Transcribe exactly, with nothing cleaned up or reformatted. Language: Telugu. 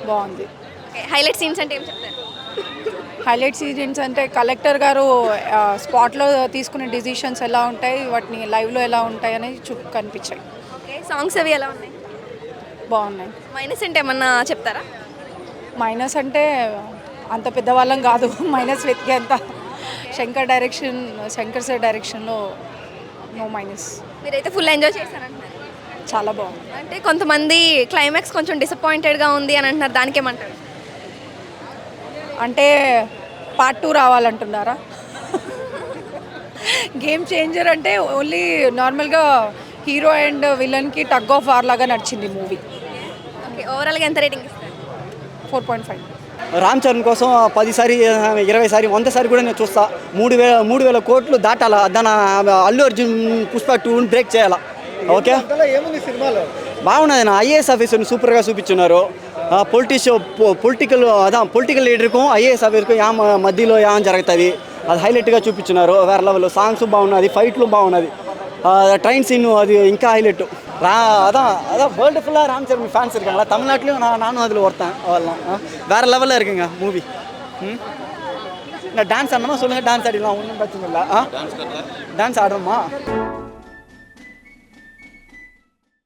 బాగుంది. హైలైట్ సీన్స్ అంటే ఏం చెప్తారు? హైలైట్ సీన్స్ అంటే కలెక్టర్ గారు స్పాట్లో తీసుకునే డిసిషన్స్ ఎలా ఉంటాయి, వాటిని లైవ్లో ఎలా ఉంటాయి అనేది చూ కనిపించాయి. ఓకే, సాంగ్స్ అవి ఎలా ఉన్నాయి? బాగున్నాయి. మైనస్ అంటే ఏమన్నా చెప్తారా? మైనస్ అంటే అంత పెద్దవాళ్ళం కాదు మైనస్ వెతికేంత. శంకర్ డైరెక్షన్ శంకర్ సార్ డైరెక్షన్లో నో మైనస్. మీరైతే ఫుల్ ఎంజాయ్ చేశారంటున్నారు. చాలా బాగుంది. అంటే కొంతమంది క్లైమాక్స్ కొంచెం డిసప్పాయింటెడ్గా ఉంది అని అంటున్నారు, దానికి ఏమంటారు? అంటే పార్ట్ టూ రావాలంటున్నారా? గేమ్ చేంజర్ అంటే ఓన్లీ నార్మల్గా హీరో అండ్ విలన్కి టగ్ ఆఫ్ వార్ లాగా నడిచింది మూవీ. ఓకే, ఓవరాల్గా ఎంత రేటింగ్ ఇస్తారు? Four point five. Ram Charan కోసం పదిసారి ఇరవై సారి వంద సారి కూడా నేను చూస్తా. మూడు వేల మూడు వేల కోట్లు దాటాలా, దాని అల్లు అర్జున్ పుష్ప టూని బ్రేక్ చేయాలా. ఓకే, ఏముంది సినిమాలో? బాగున్నది. నా ఐఏఎస్ ఆఫీసర్ని సూపర్గా చూపించున్నారు. పొలిటీషియో పొలిటికల్ అదా పొలిటికల్ లీడర్కు ఐఏఎస్ ఆఫీసర్కు యా మధ్యలో యా జరుగుతుంది, అది హైలైట్గా చూపించున్నారు. వేరే లెవెల్ సాంగ్స్ బాగున్నది, ఫైట్లు బాగున్నది, ట్రైన్ సీన్ అది ఇంకా హైలైట్. ரா அதான் அதான் வேர்ல்டு ஃபுல்லாக ராம் சரண் ஃபேன்ஸ் இருக்காங்களா, தமிழ்நாட்டிலையும் நான் நானும் அதில் ஒருத்தன். அவெல்லாம் வேறு லெவலில் இருக்குங்க மூவி. ம் இந்த டான்ஸ் ஆடணுமா சொல்லுங்கள், டான்ஸ் ஆடிடலாம், ஒன்றும் பிரச்சனை இல்லை. ஆ டான்ஸ் ஆடுறோமா?